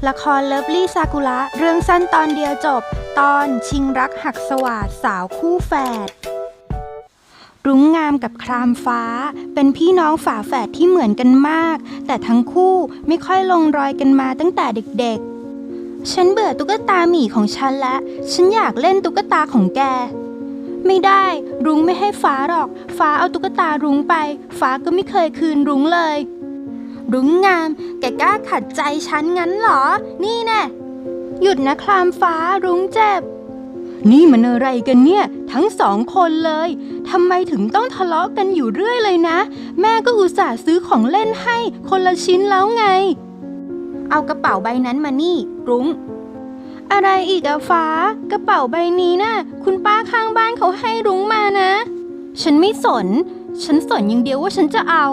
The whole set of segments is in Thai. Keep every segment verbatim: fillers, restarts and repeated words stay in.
ละครเลิฟลี่ซากุระเรื่องสั้นตอนเดียวจบตอนชิงรักหักสวาทสาวคู่แฝดรุ้งงามกับครามฟ้าเป็นพี่น้องฝาแฝดที่เหมือนกันมากแต่ทั้งคู่ไม่ค่อยลงรอยกันมาตั้งแต่เด็กๆฉันเบื่อตุ๊กตาหมีของฉันและฉันอยากเล่นตุ๊กตาของแกไม่ได้รุ้งไม่ให้ฟ้าหรอกฟ้าเอาตุ๊กตารุ้งไปฟ้าก็ไม่เคยคืนรุ้งเลยรุ้งงามแกกล้าขัดใจฉันงั้นเหรอนี่แน่หยุดนะครามฟ้ารุ้งเจ็บนี่มันอะไรกันเนี่ยทั้งสองคนเลยทำไมถึงต้องทะเลาะกันอยู่เรื่อยเลยนะแม่ก็อุตส่าห์ซื้อของเล่นให้คนละชิ้นแล้วไงเอากระเป๋าใบนั้นมานี่รุ้งอะไรอีกอะฟ้ากระเป๋าใบนี้น่ะคุณป้าข้างบ้านเขาให้รุ้งมานะฉันไม่สนฉันสนอย่างเดียวว่าฉันจะเอา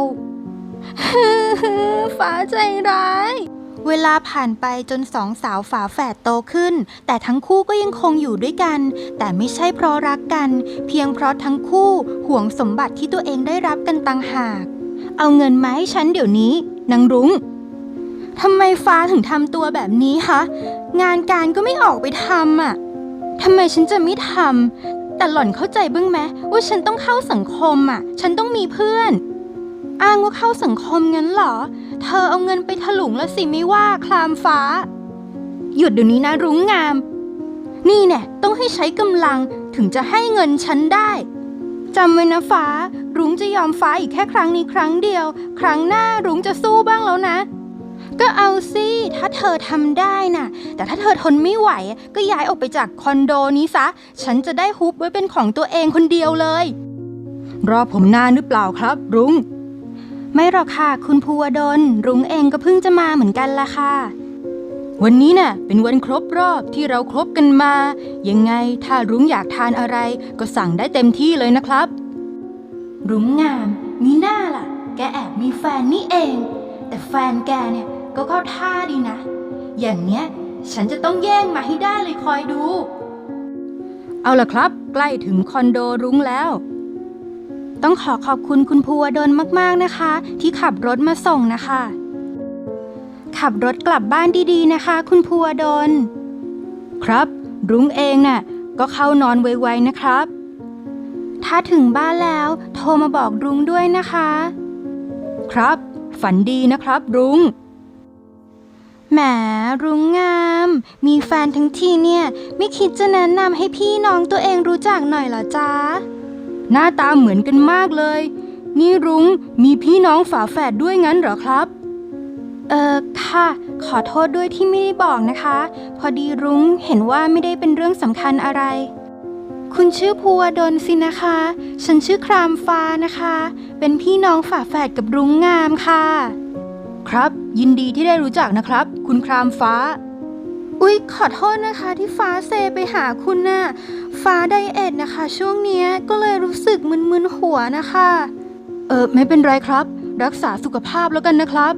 ฟ้าใจร้ายเวลาผ่านไปจนสองสาวฝาแฝดโตขึ้นแต่ทั้งคู่ก็ยังคงอยู่ด้วยกันแต่ไม่ใช่เพราะรักกันเพียงเพราะทั้งคู่ห่วงสมบัติที่ตัวเองได้รับกันต่างหากเอาเงินมาให้ฉันเดี๋ยวนี้นางรุ้งทำไมฟ้าถึงทำตัวแบบนี้คะงานการก็ไม่ออกไปทำอ่ะทำไมฉันจะไม่ทำแต่หล่อนเข้าใจบ้างไหมว่าฉันต้องเข้าสังคมอ่ะฉันต้องมีเพื่อนอ้างว่าเข้าสังคมงั้นเหรอเธอเอาเงินไปถลุงแล้วสิไม่ว่าคลามฟ้าหยุดเดี๋ยวนี้นะรุ้งงามนี่แน่ต้องให้ใช้กำลังถึงจะให้เงินฉันได้จำไว้นะฟ้ารุ้งจะยอมฟ้าอีกแค่ครั้งนี้ครั้งเดียวครั้งหน้ารุ้งจะสู้บ้างแล้วนะก็เอาสิถ้าเธอทำได้น่ะแต่ถ้าเธอทนไม่ไหวก็ย้ายออกไปจากคอนโดนี้ซะฉันจะได้ฮุบไว้เป็นของตัวเองคนเดียวเลยรอผมนานหรือเปล่าครับรุ้งไม่หรอกค่ะคุณภูวดลรุ้งเองก็เพิ่งจะมาเหมือนกันล่ะค่ะวันนี้น่ะเป็นวันครบรอบที่เราครบกันมายังไงถ้ารุ้งอยากทานอะไรก็สั่งได้เต็มที่เลยนะครับรุ้งงามมีหน้าล่ะแกแอบมีแฟนนี่เองแต่แฟนแกเนี่ยก็เข้าท่าดีนะอย่างเนี้ยฉันจะต้องแย่งมาให้ได้เลยคอยดูเอาล่ะครับใกล้ถึงคอนโดรุ้งแล้วต้องขอขอบคุณคุณภูวดลมากๆนะคะที่ขับรถมาส่งนะคะขับรถกลับบ้านดีๆนะคะคุณภูวดลครับรุ้งเองน่ะก็เข้านอนไวๆนะครับถ้าถึงบ้านแล้วโทรมาบอกรุ้งด้วยนะคะครับฝันดีนะครับรุ้งแหมรุ้งงามมีแฟนทั้งทีเนี่ยไม่คิดจะแนะนำให้พี่น้องตัวเองรู้จักหน่อยเหรอจ๊ะหน้าตาเหมือนกันมากเลยนี่รุ้งมีพี่น้องฝาแฝดด้วยงั้นเหรอครับเออค่ะขอโทษด้วยที่ไม่ได้บอกนะคะพอดีรุ้งเห็นว่าไม่ได้เป็นเรื่องสำคัญอะไรคุณชื่อภูวดลสินะคะฉันชื่อครามฟ้านะคะเป็นพี่น้องฝาแฝดกับรุ้งงามค่ะครับยินดีที่ได้รู้จักนะครับคุณครามฟ้าอุ๊ยขอโทษนะคะที่ฟ้าเซไปหาคุณน่ะฟ้าไดเอทนะคะช่วงนี้ก็เลยรู้สึกมึนๆหัวนะคะเออไม่เป็นไรครับรักษาสุขภาพแล้วกันนะครับ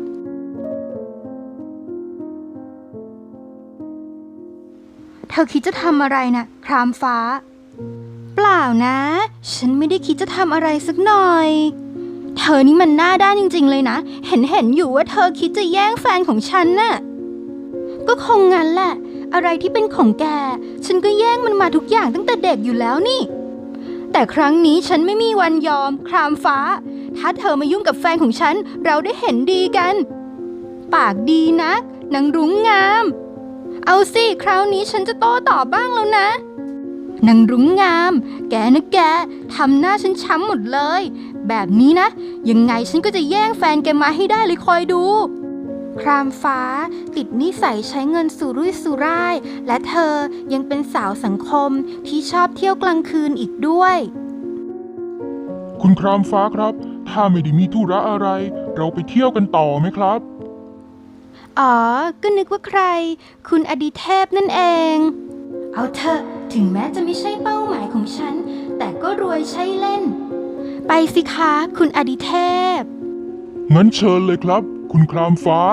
เธอคิดจะทำอะไรนะครามฟ้าเปล่านะฉันไม่ได้คิดจะทำอะไรสักหน่อยเธอนี่มันหน้าด้านจริงๆเลยนะเห็นเห็นอยู่ว่าเธอคิดจะแย่งแฟนของฉันน่ะก็คงงั้นแหละอะไรที่เป็นของแกฉันก็แย่งมันมาทุกอย่างตั้งแต่เด็กอยู่แล้วนี่แต่ครั้งนี้ฉันไม่มีวันยอมครามฟ้าถ้าเธอมายุ่งกับแฟนของฉันเราได้เห็นดีกันปากดีนักนางรุ้งงามเอาสิคราวนี้ฉันจะโต้ตอบบ้างแล้วนะนางรุ้งงามแกนะแกทำหน้าฉันช้ำหมดเลยแบบนี้นะยังไงฉันก็จะแย่งแฟนแกมาให้ได้เลยคอยดูครามฟ้าติดนิสัยใช้เงินสุรุ่ยสุร่ายและเธอยังเป็นสาวสังคมที่ชอบเที่ยวกลางคืนอีกด้วยคุณครามฟ้าครับถ้าไม่ได้มีธุระอะไรเราไปเที่ยวกันต่อไหมครับอ๋อก็นึกว่าใครคุณอดิเทพนั่นเองเอาเถอะถึงแม้จะไม่ใช่เป้าหมายของฉันแต่ก็รวยใช่เล่นไปสิคะคุณอดิเทพงั้นเชิญเลยครับคุณครามฟ้า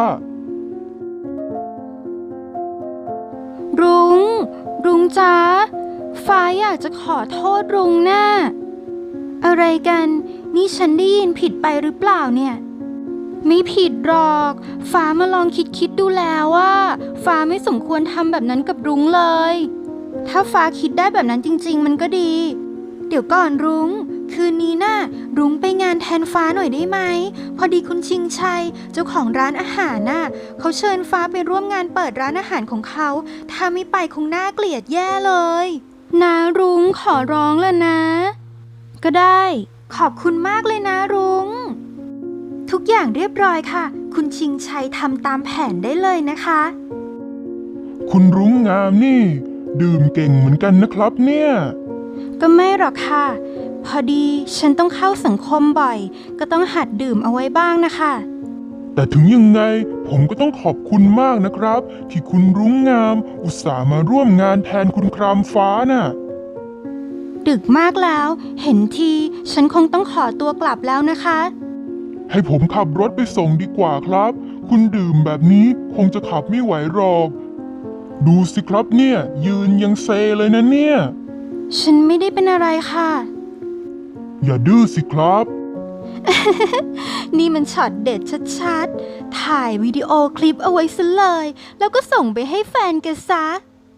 รุ้งรุ้งจ๊ะฟ้าอยากจะขอโทษรุ้งนะอะไรกันนี่ฉันได้ยินผิดไปหรือเปล่าเนี่ยไม่ผิดหรอก ฟ้ามาลองคิดคิดดูแล้วว่าฟ้าไม่สมควรทำแบบนั้นกับรุ้งเลย ถ้าฟ้าคิดได้แบบนั้นจริงๆมันก็ดี เดี๋ยวก่อนรุ้ง คืนนี้น่ะรุ้งไปงานแทนฟ้าหน่อยได้ไหม พอดีคุณชิงชัยเจ้าของร้านอาหารน่ะเขาเชิญฟ้าไปร่วมงานเปิดร้านอาหารของเขาถ้าไม่ไปคงน่าเกลียดแย่เลยนะรุ้งขอร้องแล้วนะ ก็ได้ขอบคุณมากเลยนะรุ้ง ทุกอย่างเรียบร้อยค่ะ คุณชิงชัยทำตามแผนได้เลยนะคะคุณรุ้งงามนี่ ดื่มเก่งเหมือนกันนะครับเนี่ยก็ไม่หรอกค่ะ พอดีฉันต้องเข้าสังคมบ่อย ก็ต้องหัดดื่มเอาไว้บ้างนะคะแต่ถึงยังไงผมก็ต้องขอบคุณมากนะครับ ที่คุณรุ้งงามอุตส่าห์มาร่วมงานแทนคุณครามฟ้าน่ะดึกมากแล้ว เห็นทีฉันคงต้องขอตัวกลับแล้วนะคะให้ผมขับรถไปส่งดีกว่าครับ คุณดื่มแบบนี้คงจะขับไม่ไหวหรอก ดูสิครับเนี่ย ยืนยังเซเลยนะเนี่ยฉันไม่ได้เป็นอะไรค่ะอย่าดื้อสิครับนี่มันช็อตเด็ดชัดๆ ถ่ายวิดีโอคลิปเอาไว้ซะเลย แล้วก็ส่งไปให้แฟนแกซะ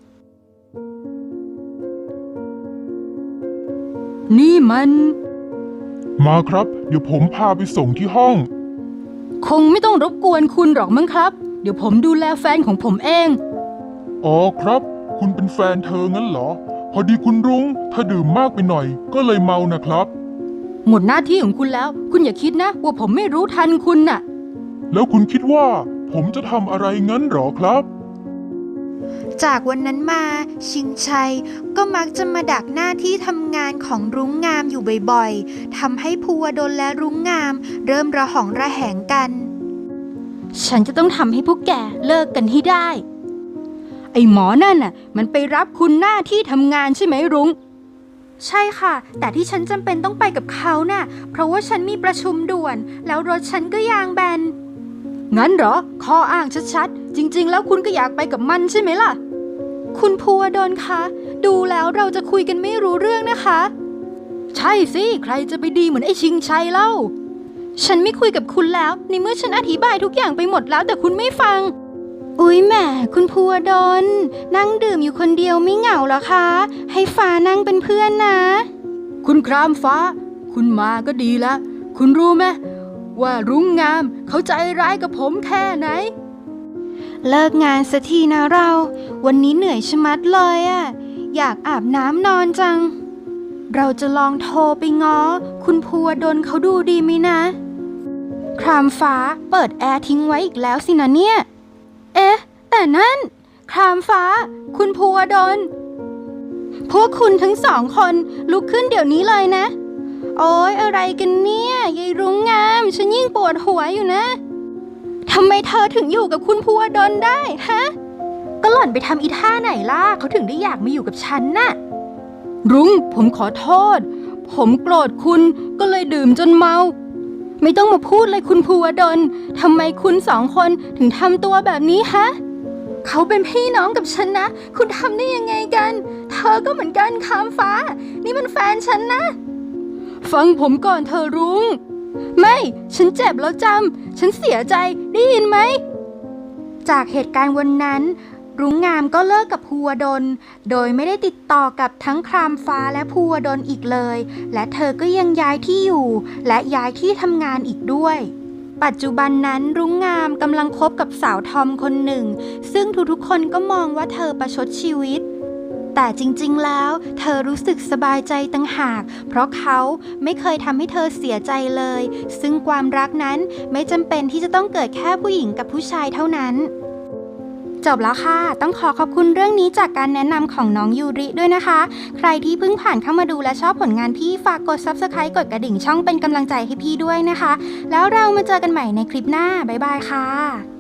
นี่มันมาครับ เดี๋ยวผมพาไปส่งที่ห้องคงไม่ต้องรบกวนคุณหรอกมั้งครับ เดี๋ยวผมดูแลแฟนของผมเองอ๋อครับ คุณเป็นแฟนเธองั้นเหรอ พอดีคุณรุ้งเธอดื่มมากไปหน่อย ก็เลยเมานะครับหมดหน้าที่ของคุณแล้ว คุณอย่าคิดนะว่าผมไม่รู้ทันคุณน่ะแล้วคุณคิดว่า ผมจะทำอะไรงั้นเหรอครับจากวันนั้นมาชิงชัยก็มักจะมาดักหน้าที่ทำงานของรุ้งงามอยู่บ่อยๆทำให้ภูวดลและรุ้งงามเริ่มระหองระแหงกัน ฉันจะต้องทำให้พวกแกเลิกกันให้ได้ ไอ้หมอนั่นน่ะมันไปรับคุณหน้าที่ทำงานใช่ไหมรุ้ง ใช่ค่ะ แต่ที่ฉันจำเป็นต้องไปกับเขาน่ะเพราะว่าฉันมีประชุมด่วน แล้วรถฉันก็ยางแบน งั้นเหรอ ข้ออ้างชัดๆ จริงๆ แล้วคุณก็อยากไปกับมันใช่ไหมล่ะ คุณภูวดลคะ ดูแล้วเราจะคุยกันไม่รู้เรื่องนะคะ ใช่สิ ใครจะไปดีเหมือนไอ้ชิงชัยเล่า ฉันไม่คุยกับคุณแล้ว ในเมื่อฉันอธิบายทุกอย่างไปหมดแล้วแต่คุณไม่ฟัง อุ๊ยแหมคุณภูวดลนั่งดื่มอยู่คนเดียวไม่เหงาเหรอคะ ให้ฟ้านั่งเป็นเพื่อนนะ คุณครามฟ้า คุณมาก็ดีละ คุณรู้ไหมว่ารุ้งงามเขาใจร้ายกับผมแค่ไหน เลิกงานสักทีนะเรา วันนี้เหนื่อยชะมัดเลยอะอยากอาบน้ำนอนจัง เราจะลองโทรไปง้อคุณภูวดลเขาดูดีไหมนะ ครามฟ้าเปิดแอร์ทิ้งไว้อีกแล้วสินะเนี่ย เอ๊ะ แต่นั่น ครามฟ้า คุณภูวดล พวกคุณทั้งสองคนลุกขึ้นเดี๋ยวนี้เลยนะ โอ๊ยอะไรกันเนี่ยยายรุ้งงามฉันยิ่งปวดหัวอยู่นะทำไมเธอถึงอยู่กับคุณภูวดลได้ฮะ ก็หล่อนไปทำอีท่าไหนล่ะเขาถึงได้อยากมาอยู่กับฉันน่ะ รุ้งผมขอโทษ ผมโกรธคุณก็เลยดื่มจนเมา ไม่ต้องมาพูดเลยคุณภูวดลทำไมคุณสองคนถึงทำตัวแบบนี้ฮะ เขาเป็นพี่น้องกับฉันนะ คุณทำได้ยังไงกัน เธอก็เหมือนกันคามฟ้า นี่มันแฟนฉันนะ ฟังผมก่อนเธอรุ้ง ไม่ ฉันเจ็บแล้วจำ ฉันเสียใจ ได้ยินไหม จากเหตุการณ์วันนั้น รุ้งงามก็เลิกกับภูวดล โดยไม่ได้ติดต่อกับทั้งครามฟ้าและภูวดลอีกเลย และเธอก็ยังย้ายที่อยู่ และย้ายที่ทำงานอีกด้วย ปัจจุบันนั้นรุ้งงามกำลังคบกับสาวทอมคนหนึ่ง ซึ่งทุกๆคนก็มองว่าเธอประชดชีวิต แต่จริงๆ แล้วเธอรู้สึกสบายใจต่างหาก เพราะเขาไม่เคยทำให้เธอเสียใจเลย ซึ่งความรักนั้นไม่จำเป็นที่จะต้องเกิดแค่ผู้หญิงกับผู้ชายเท่านั้น จบแล้วค่ะ ต้องขอขอบคุณเรื่องนี้จากการแนะนำของน้องยูริด้วยนะคะ ใครที่เพิ่งผ่านเข้ามาดูและชอบผลงานพี่ฝากกด ซับสไครบ์ กดกระดิ่งช่องเป็นกำลังใจให้พี่ด้วยนะคะ แล้วเรามาเจอกันใหม่ในคลิปหน้า บ๊ายบายค่ะ